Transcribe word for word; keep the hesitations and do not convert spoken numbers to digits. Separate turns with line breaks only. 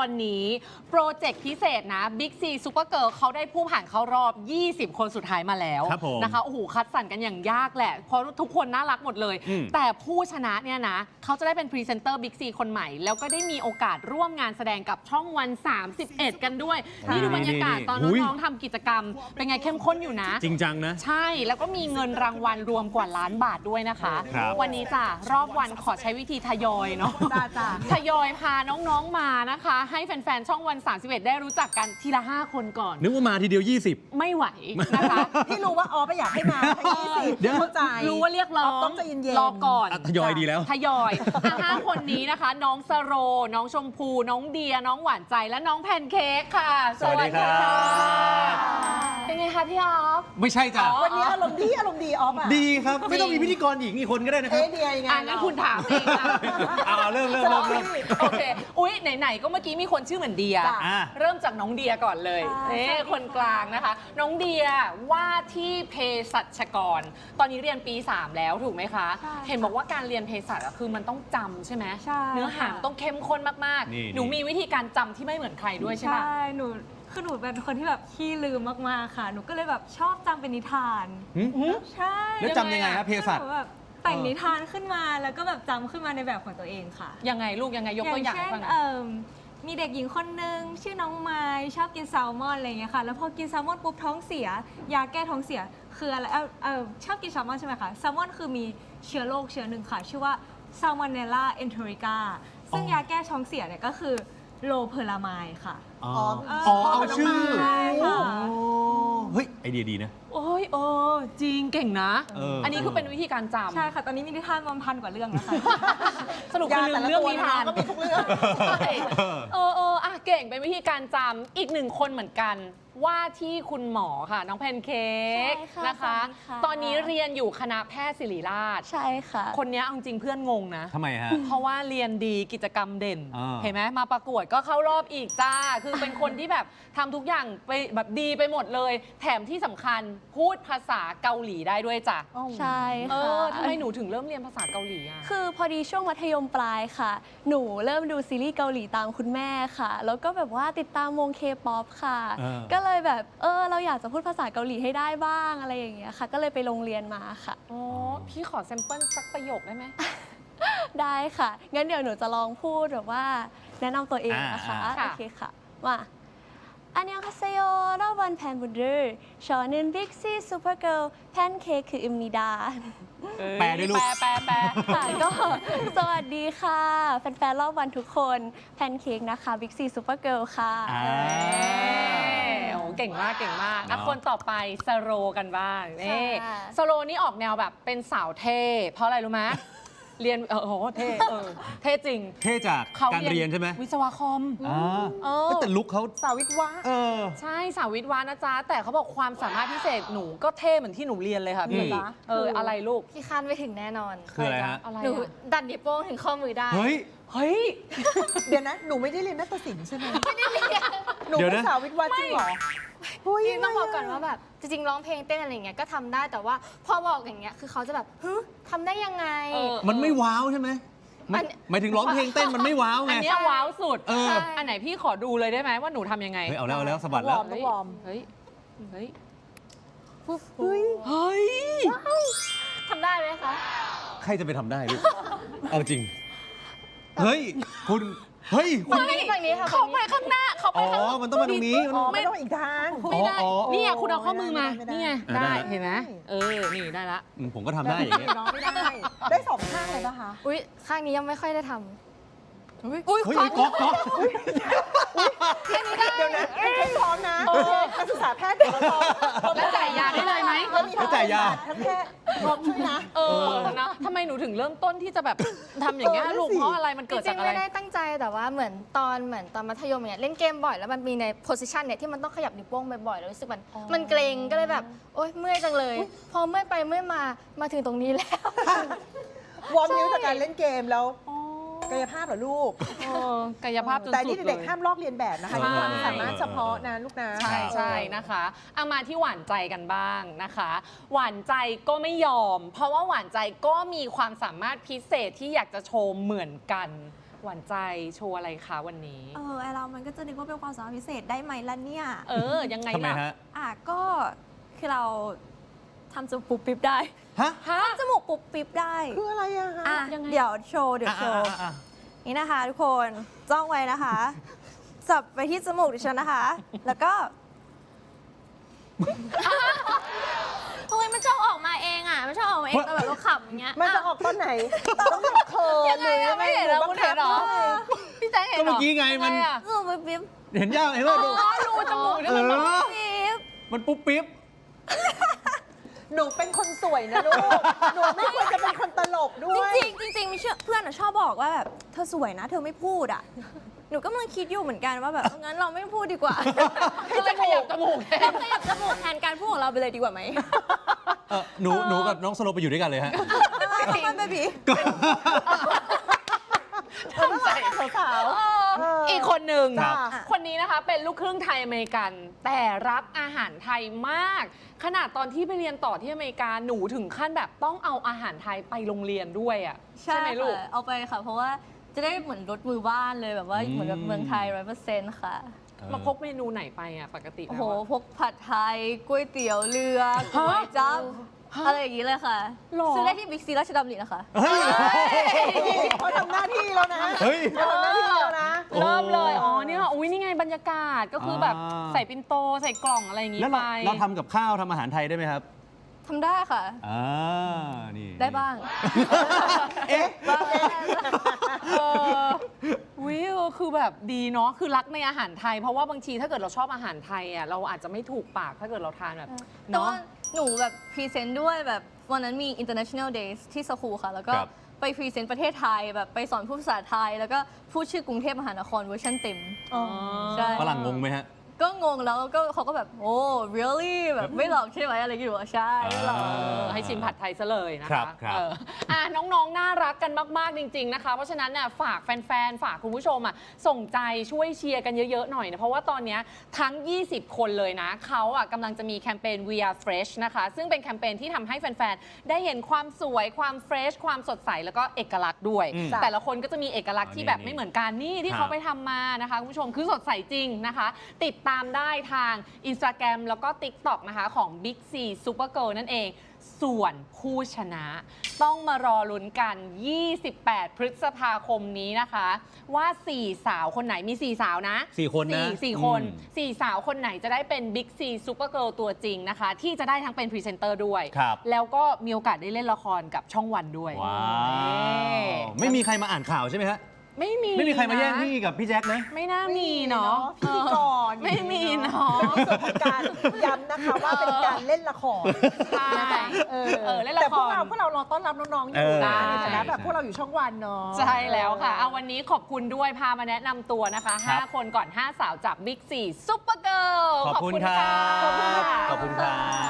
อนนี้โปรเจกต์พิเศษนะ Big C Super Girl เขาได้ผู้ผ่านเข้ารอบ ยี่สิบ คนสุดท้ายมาแล้วนะคะโอ้โหคัดสรรกันอย่างยากแหละเพราะทุกคนน่ารักหมดเลยแต่ผู้ชนะเนี่ยนะเขาจะได้เป็นพรีเซนเตอร์ Big C คนใหม่แล้วก็ได้มีโอกาสร่วมงานแสดงกับช่องวันสามสิบเอ็ดกันด้วยนี่ดูบรรยากาศตอนน้องๆทำกิจกรรมเป็นไงเข้มข้นอยู่นะ
จริงจังนะ
ใช่แล้วก็มีเงินรางวัลรวมกว่าล้านบาทด้วยนะคะวันนี้จ้ะรอบวันขอใช้วิธีทยอยเนาะทยอยพาน้องๆมานะคะให้แฟนๆช่องวันสามสิบเอ็ดได้รู้จักกันทีละห้าคนก่อน
นึกว่ามาทีเดียวยี่สิบ
ไม่ไหวนะคะ
ที่รู้ว่าอ๋อไม่อยากให้มาทั้งยี่สิบเข้าใจ
รู้ว่าเรียกร้อง
ต้องใจเย็นๆ
รอก่อน
ทยอยดีแล้ว
ทยอยห้าคนนี้นะคะน้องสโรน้องชมพูน้องเดียน้องหวานใจและน้องแพนเค้กค่ะ
สวัสดีครับ
เป็นไงคะพี่ออฟ
ไม่ใช่จ้ะ
วันนี้อารมณ์ดีอารมณ์ดีออฟอ่ะ
ดีครับไม่ต้องมีพิธีกรหญิงอีกคนก็ได้นะครับ
เอเดียยังไง
งั้นคุณถามเองนะ
เอาเริ่มเริ่มเริ่มเริ่ม
โอเคอุ๊ยไหนๆก็เมื่อกี้มีคนชื่อเหมือนเดียเริ่มจากน้องเดียก่อนเลยเอ๊คนกลางนะคะน้องเดียว่าที่เภสัชกรตอนนี้เรียนปีสามแล้วถูกไหมคะเห็นบอกว่าการเรียนเภสัชคือมันต้องจำใช่ไหมเนื้อหาต้องเข้มข้นมากๆหนูมีวิธีการจำที่ไม่เหมือนใครด้วยใช่ไหม
ใช่หนูคือหนูเป็นคนที่แบบขี้ลืมมากๆค่ะหนูก็เลยแบบชอบจำเป็นนิทานใช่
แล้วจำยังไงครับเภสัช
แบบแต่งนิทานขึ้นมาแล้วก็แบบจำขึ้นมาในแบบของตัวเองค่ะ
ยังไงลูกยังไงยกตัวอย่างให้ฟังหน่อย
มีเด็กหญิงคนนึงชื่อน้องไม้ชอบกินแซลมอนอะไรเงี้ยค่ะแล้วพอกินแซลมอนปุ๊บท้องเสียยาแก้ท้องเสียคืออะไรเออเออชอบกินแซลมอนใช่ไหมคะแซลมอนคือมีเชื้อโรคเชื้อหนึ่งค่ะชื่อว่า Salmonella enterica ซึ่งยาแก้ท้องเสียเนี่ยก็คือโลเพอรามายค่ะ
อ๋อเอาชื่อ
ใช่ค่ะ
เฮ้ยไอเดียดีนะ
โอ้ยเออจริงเก่งนะอันนี้คือเป็นวิธีการจำ
ใช่ค่ะตอนนี้มีนิทานประมาณพันกว่าเรื่องนะคะ
สรุปคือลืมเรื่องนิทาน
ก็มีทุกเรื่อง
เออเอออ่ะเก่งเป็นวิธีการจำอีกหนึ่งคนเหมือนกันว่าที่คุณหมอค่ะน้องแพนเค้กนะคะตอนนี้เรียนอยู่คณะแพทย์ศิริราช
ใช่ค่ะ
คนนี้เอาจริงเพื่อนงงนะ
ทำไมฮะ
เพราะว่าเรียนดีกิจกรรมเด่นเห็นไหมมาประกวดก็เข้ารอบอีกจ้าคือเป็นคนที่แบบทำทุกอย่างไปแบบดีไปหมดเลยแถมที่สำคัญพูดภาษาเกาหลีได้ด้วยจ้ะ
ใช่
ค่ะเออทำไมหนูถึงเริ่มเรียนภาษาเกาหลีอ่ะ
คือพอดีช่วงมัธยมปลายค่ะหนูเริ่มดูซีรีส์เกาหลีตามคุณแม่ค่ะแล้วก็แบบว่าติดตามวงเคป๊อปค่ะก็เลยแบบเออเราอยากจะพูดภาษาเกาหลีให้ได้บ้างอะไรอย่างเงี้ยค่ะก็เลยไปโรงเรียนมาค่ะ
อ๋อพี่ขอแซมเปิลสักประโยคได้ไหม
ได้ค่ะงั้นเดี๋ยวหนูจะลองพูดแบบว่าแนะนำตัวเองนะคะโอเคค่ะว่า안녕하세요 여러분 팬분들 저는 빅시 슈퍼걸 팬케이크입니다
แปลด้วยลูก
แปลแปล
ค่ะก็สวัสดีค่ะแฟนๆรอบวันทุกคนแพนเค้กนะคะบิ๊กซีซูเปอร์เกิร์ลค่ะ
โอ้เก่งมากเก่งมากคนต่อไปสโรกันบ้างนี่สโรนี่ออกแนวแบบเป็นสาวเท่เพราะอะไรรู้ไหมเรียนเออโหเท่เออเท่จริง
เท่จากการเรียนใช่ไหม
วิศวะคอม
อ๋อแต่ลุคเขา
สาวิทวะ
เออใช่สาวิทวะนะจ๊ะแต่เขาบอกความสามารถพิเศษหนูก็เท่เหมือนที่หนูเรียนเลยค่ะพี่จ๊ะเอออะไรลูก
พี่คาดไม่ถึงแน่นอน
คืออะไรฮะ
หนูดันนิ้วโป้งถึงข้อมือได้
เฮ้ย
เฮ้ย
เดี๋ยวนะหนูไม่ได้เรียนนาฏศิลป์ใช่ไหมไม่ได้เรียนหนูเป็นสาวิทวะจริงเหรอ
พี่ต้องบอกก่อนว่าแบบจริงๆร้องเพลงเต้นอะไรอย่างเงี้ยก็ทำได้แต่ว่าพอบอกอย่างเงี้ยคือเขาจะแบบฮึทำได้ยังไง
มันไม่ว้าวใช่ไหมหมายถึงร้องเพลงเต้นมันไม่ว้าวไง
อันนี้ว้าวสุดอันไหนพี่ขอดูเลยได้ไหมว่าหนูทำยังไง
เฮ้ยเอาแล้วเอาแล้วสะบัดแล้ว
ต้องวอร์ม
เฮ้ยเฮ้ย
เฮ้ย
เฮ้ย
ทำได้ไหมคะ
ใครจะไปทำได้ลูกเอาจริงเฮ้ยคุณเฮ้ย
คุณฝั่งนี้ค่ะ
เขาไปข้างหน้าเขาไป
ข้างอ๋อมันต้องมาตรงนี้
ไม่ต้องอีกทาง
ไม่ได้นี่คุณเอาข้อมือมานี่ไงได้เห็นไหมเออนี่ได้ละ
ผมก็ทำได้อย่างเงี้ย
ไม่ได้ได้สองข้างเลยป่ะคะ
อุ้ยข้างนี้ยังไม่ค่อยได้ทำ
อุ้ยก๊อกก๊อก
เดี๋ยวนะเป็นพร้อมนะนักศึกษาแพทย์เดี๋ยวเราพร้อม
แล้วจ่ายยาได้เลยไหม
แล้วจ่ายยาทั้งแพทย์พร้อมช่วยนะ
เออนะทำไมหนูถึงเริ่มต้นที่จะแบบทำอย่างเงี้ยลูกเพราะอะไรมันเกิดจากอะไร
ไม่ได้ตั้งใจแต่ว่าเหมือนตอนเหมือนตอนมัธยมเนี่ยเล่นเกมบ่อยแล้วมันมีในโพสิชันเนี่ยที่มันต้องขยับนิ้วโป้งบ่อยๆแล้วรู้สึกมันมันเกรงก็เลยแบบโอ๊ยเมื่อยจังเลยพอเมื่อยไปเมื่อยมามาถึงตรงนี้แล้ว
วอร์มนิ้วจากการเล่นเกมแล้วกายภาพเหรอลูก
กายภาพจนสุด
แต่นี่เด็กๆห้ามลอกเรียนแบบนะคะความสามารถเฉพาะนะลูกนะ
ใช่ใช่นะคะเอามาที่หวานใจกันบ้างนะคะหวานใจก็ไม่ยอมเพราะว่าหวานใจก็มีความสามารถพิเศษที่อยากจะโชว์เหมือนกันหวานใจโชว์อะไรคะวันนี้
เออไอเรามันก็จะนึกว่าเป็นความสามารถพิเศษได้ไหมล่ะเนี่ย
เออ ยังไง
ทำไม
ล่ะ
ฮะ
อ่ะก็คือเราทำจมูกปุ๊บปิ๊บได้
ฮะ
ฮะ
จมูกปุ๊บปิ๊บได้
คืออะไรอะฮะ
อ่ะ
ยังไง
เดี๋ยวโชว์เดี๋ยว
อ่ะ
โชว์
อ่ะอ่ะ
นี่นะคะทุกคนจ้องไว้นะคะจับไปที่จมูกดิฉันนะคะ แล้วก็โอ้ยมันชอบออกมาเองอ่ะมันชอบออกมาเองแต่แบบเราขำอย่างเงี้ย
มันจะออกตอนไหน ต้องแบบเขินหรือยังไง
ไม่เห็น
หรื
แล้
อ
ว
บัง
คุณ
คั
เห็
บ
นเหรอ
ด้วย
พี่แจ๊คเห็นเหรอ
ก็เมื่อกี้ไงมัน
ทำอะ
จมูกปุ๊บปิ๊บ
เห็นยังเห็นว่าดู
อ๋อรูจมูกเนี่ยมัน
เออ
ปิ๊บ
มันปุ๊บปิ๊บ
หนูเป็นคนสวยนะลูก หนูไม่ควรจะเป็นคนตลกด้วย
จริงๆจริงๆมีเชื่อเพื่อนอะชอบบอกว่าแบบเธอสวยนะ เธอไม่พูดอ่ะ หนูก็กำลังคิดอยู่เหมือนกันว่าแบบงั้นเราไม่พูดดีกว่า
ก็เลยขยับจมูกแทน
เราขยับจมูกแทนการพูดของเราไปเลยดีกว่าไหม
เออหนูหนูกับน้องสโลไปอยู่ด้วยกันเลยฮะ
มันเบบี
ทำใจ
สาวๆ
อีกคนหนึ่ง
ครับ
คนนี้นะคะเป็นลูกครึ่งไทยอเมริกัน แต่รักอาหารไทยมาก ขนาดตอนที่ไปเรียนต่อที่อเมริกาหนูถึงขั้นแบบต้องเอาอาหารไทยไปโรงเรียนด้วยอ่ะใช่ไหมลูก
ค่ะเอาไปค่ะ เพราะว่าจะได้เหมือนรถมือบ้านเลยแบบว่า
อืม
เหมือนแบบเมืองไทยร้อยเปอร์เซ็นต์ค่ะ
มาพกเมนูไหนไปอ่ะปกติ
โอ้
แล้
โห
วอะ
พกผัดไทยก๋วยเตี๋ยวเรือก๋วยจั๊บอะไรอย่างนี้เลยค่ะ
หรอ
ซื้อได้ที่บิ๊กซีราชดำรินะคะ
เฮ้ย
เขาทำหน้าที่แล้วนะ
เฮ้ย
เขาทำหน้าที่แล้วนะ
โอ้
เริ่มเลย อ๋อเนี่ยอุ้ยนี่ไงบรรยากาศก็คือแบบ
อ่า
ใส่ปินโตใส่กล่องอะไรอย่างงี้
แล้ว
ไป
เราเราทำกับข้าวทำอาหารไทยได้ไหมครับ
ทำได้ค่ะ
อ่า นี่
ได้บ้าง
เอ๊ะ
บ้าง
เออวิวคือแบบดีเนาะคือรักในอาหารไทย เพราะว่าบางทีถ้าเกิดเราชอบอาหารไทยอ่ะเราอาจจะไม่ถูกปากถ้าเกิดเราทานแบบ
แต่
เนาะ
ว่าหนูแบบพรีเซนต์ด้วยแบบวันนั้นมี international days ที่สคูลค่ะ แล้วก็
ครับ
ไปพรีเซนต์ประเทศไทยแบบไปสอนพูดภาษาไทย แล้วก็พูดชื่อกรุงเทพมหานครเวอร์ชันเต็ม
อ๋อ
ใช่
ฝรั่งงงไหมฮะ
ก็งงแล้วก็เขาก็แบบ โอ้ really แบบไม่หลอกใช่ไหมอะไรอย่างเงี้ยใช่ไม่หลอก
อ่า
เออให้ชิมผัดไทยซะเลยนะ
ครั
คะ
บครับ
เอออ่ะน้องๆ น่ารักกันมากๆ จริง ๆ นะคะ เพราะฉะนั้นน่ะฝากแฟนๆ ฝากคุณผู้ชมอ่ะส่งใจช่วยเชียร์กันเยอะๆ หน่อยนะ เพราะว่าตอนเนี้ยทั้ง ยี่สิบ คนเลยนะ เขาอ่ะกำลังจะมีแคมเปญ We Are Fresh นะคะ ซึ่งเป็นแคมเปญที่ทำให้แฟนๆ ได้เห็นความสวยความเฟรชความสดใสแล้วก็เอกลักษณ์ด้วย
อืม
แต่ละคนก็จะมีเอกลักษณ์ที่แบบ
นี่
ไม่เหมือนกันนี่ที่
ครับ
เขาไปทำมานะคะคุณผู้ชมคือสดใสจริงนะคะ ติดตามได้ทาง Instagram แล้วก็ TikTok นะคะของ Big C Supergirl นั่นเอง ส่วนผู้ชนะต้องมารอลุ้นกัน ยี่สิบแปด พฤษภาคมนี้นะคะ ว่า สี่ สาวคนไหนมี สี่ สาวนะ
สี่คนนะ
สี่สี่คน
อืม
สี่ สาวคนไหนจะได้เป็น Big C Supergirl ตัวจริงนะคะ ที่จะได้ทั้งเป็นพรีเซนเตอร์ด้วย
ครับ
แล้วก็มีโอกาสได้เล่นละครกับช่องวันด้วย
ว้า
เอ๊
ว ไม่มีใครมาอ่านข่าวใช่ไหมฮะ
ไม่มี
ไม่มีใครมาแย่ง
นะ
พี่กับพี่แจ็คนะ
ไม่น่ามีเนาะ
พิธีกร
ไม่มีเนาะ
เป็นส่วนของการย้ำนะคะว่าเป็นการเล่นละคร
ใช่
เออ
เออเล่นละคร
แต่พวกเราพวกเรารอต้อนรับน้องๆอยู่นะ
เออ
ในฐานะแบบ
ใช่
พวกเราอยู่ช่องวันเนาะ
ใช่แล้วค่ะ เอาวันนี้ขอบคุณด้วยพามาแนะนำตัวนะคะ
ครับ
ห้า คนก่อน ห้า สาวจาก Big ซี Supergirl
ขอบคุณครับ
ขอบคุณค่ะ
ขอบคุณครับ